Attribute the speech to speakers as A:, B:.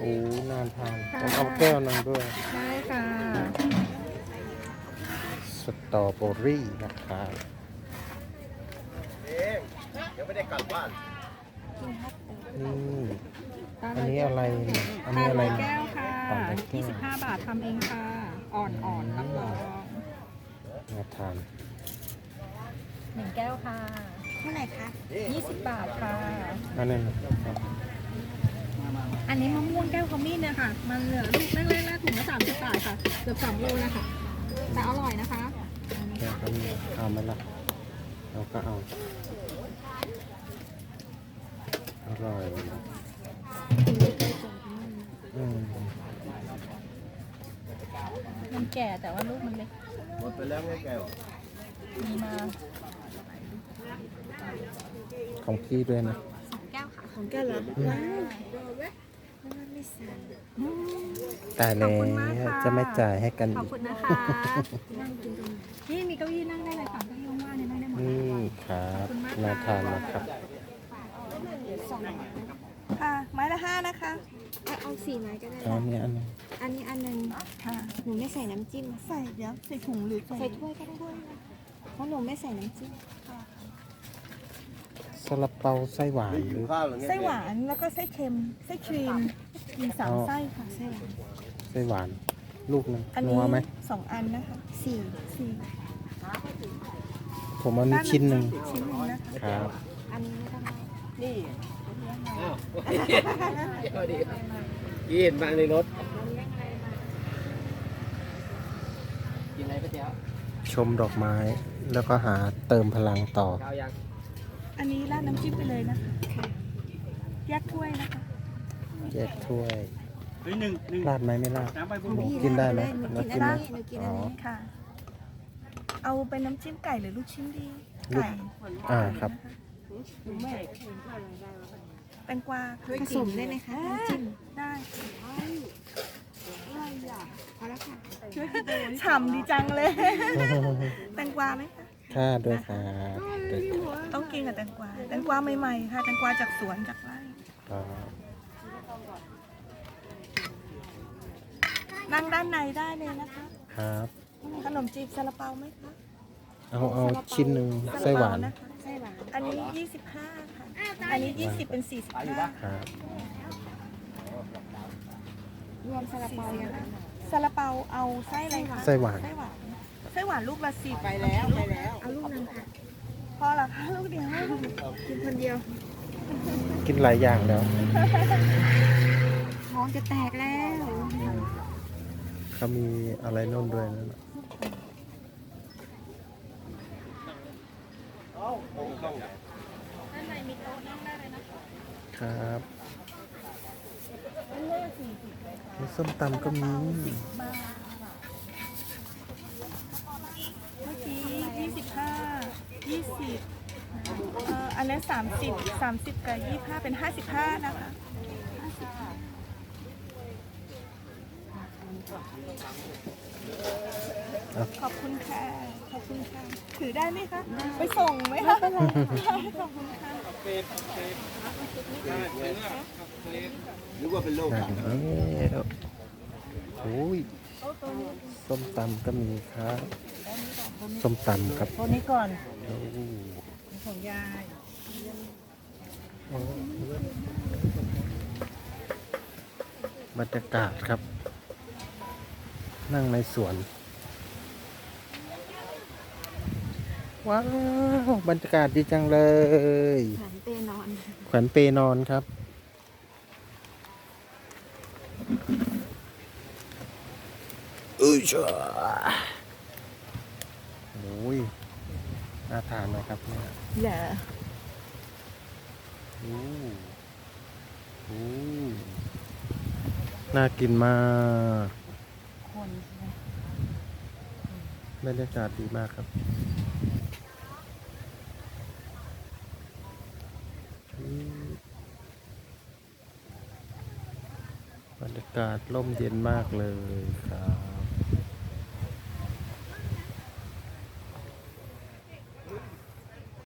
A: โอ้น่าทานต้องเอาแก้วนึงด้วย
B: ได้ค่ะ
A: สตรอเบอรี่นะครับ
C: ยังไม่ได้กลับบ้าน
A: นี่อันนี้อะไรเนี่ยอัน
B: ตา
A: นี้
B: ล
A: อะไร
B: ร้อย
A: เนี่ย
B: แก้วค่ะ
A: ตาลร้อยแก้ว
B: 25 บาททำเองค่ะ อ่อนๆรับรอง
A: น่าทาน
B: 1 แก้วค่ะ
D: เท่าไหร่คะ
B: 20 บาทค่ะ
A: อันนี้นะครับ
B: อันนี้มะม่วงแก้วขมิ้นเนี่ยค่ะ มันเหลือลูกเล็กๆแล้วถุงละ30 บาทค่ะ เกือบ2 โลนะคะ แต่อร่อยนะคะ
A: แก้วก็มีเอาไหมล่ะเราก็เอาอร่อยอืม
B: มันแก่แต่ว่าลูกมันเล็ก
C: หมดไปแล้วไงแก้ว
B: มีมา
A: ของพี่ด้วยนะ
B: แก้วค่ะ
D: ของแกเหรอว้าวไม่ใส่
A: ตายแล้วจะไม่จ่ายให้กัน
B: ขอบ
A: อีก
B: คุณนะคะ
D: นั่งกินตรงนี้
B: นี่มีเก้าอี้นั่งได้เลยค่ะเก้าอี้ว่างๆเนี่ยนั่งได้หมดเลย
A: นี่ครับน่าทานนะครับ
B: ค่ะไม้ละ5นะคะ
D: เอาสี่ไม้ก็ได้
A: อันนี้อันนี้
D: อันนี้อันหนึง
B: ค่ะ
D: หนูไม่ใส่น้ำจิ้ม
B: ใส่เดี๋ยวใส่ถุงหรือ
D: ใส่ถ้วยก็ได้เพราะหนูไม่ใส่น้ำจิ้ม
A: ซาลาเปาไส้หวานหรือ
C: ข้าวหรือไง
B: ไส้หวานแล้วก็ไส้เค็มไส้ครีมมี3 ไส้ค่ะไส้หวาน
A: ไส้หวาน ลูกหนึง
B: อัน
A: นั
B: นี้
A: วไหม
B: 2 อันนะคะ
D: สี่
A: ผมเอานี้ชิ้นหนึ่ง
B: ชิ้นหนึงนะคะ
A: ครับ
D: อันนี้ไม่ต้องเอา
B: นี่
C: กินมาในรถ กินอะไรก๋วยเตี๋ยว
A: ชมดอกไม้แล้วก็หาเติมพลังต่อ
C: ข้าวยัง
B: อันนี้ราดน้ำจิ้มไปเลยนะคะแยกถ้วยนะคะ
A: แยกถ้วย
C: หนึ่ง
A: ราดไหมไม่ราด
C: น้ำไปบุ
A: หนู
D: พี่
A: กินได้ไหม
D: หนู
A: หนู
D: กิ
A: กิ
D: น
A: น
D: อั
A: ไห
D: น
A: ม
D: นี้หนูกิน
A: อ๋
D: อั
A: อน
D: นี้
B: ค่ะ เอาเป็นน้ำจิ้มไก่หรือลูกชิ้นดี
A: ลูก
B: ไก่
A: ครับ
B: แตงกวา
D: ผสมได้ไหมคะน้ำจิ้ม
B: ได้
D: พอแล้วค่ะ
B: ฉ่ำดีจังเลย แตงกวาไหมคะ
A: ค่าด้วยครับด้วยครับ
B: ต้องกินกับแตงกวาแตงกวาใหม่ๆค่ะแตงกวาจากสวนจากไร่
A: ครับ
B: นั่งด้านในได้เลยนะคะ
A: ครับ
B: ขนมจีบซาลาเปาไหมคะ
A: เอาชิ้นหนึ่งไส้หวาน
B: ซลเปนะคะ
D: ไส้หวาน
B: อันนี้ 25 ค่ะ อันนี้ 20 เป็น 45
A: ครับ
D: รวมซาลาเปายัง
B: ซาลาเปาเอาไส้อะไรคะ
A: ไส้หวาน
B: ไส้หวานไส้หวานลูกละ10ไปแล้วไปแล้ว
D: เอาลูกนึงค่ะ
B: พอเหรอคะลูกเดียว
D: กินคนเดียว
A: กินหลายอย่างแล้ว
D: ท้องจะแตกแล้ว
A: เขามีอะไรนู่นด้วยนะ
B: ด้านในมีโต๊ะนั่งได้เลยนะคะ
A: ครับมีส้มตำก็มี
B: บาทเมื่อกี้25 20อันนั้น30กับ25 เป็น 55 นะคะ ขอบคุณค่ะ ขอบคุณค่ะ ถือได้ไหมคะ ไปส่งไหมคะขอบคุณค่ะ
C: นึกว่าเป็นโรค
A: ได้
C: อะ
A: แล้วโอ้ยส้มตำก็มีครับ ส้มตำครับ
B: ตัวนี้ก่อน
A: โอ้
B: ของยาย
A: บรรยากาศครับ นั่งในสวน ว้าวบรรยากาศดีจังเลย
D: หันเปนอน
A: แขวนเปนอนครับจ้าโอ้ยน่าทานนะครับเนี่ย
B: อย่า
A: โอ้โหน่ากินมาก
B: คนใช่ไหม
A: บรรยากาศดีมากครับบรรยากาศร่มเย็นมากเลยครับ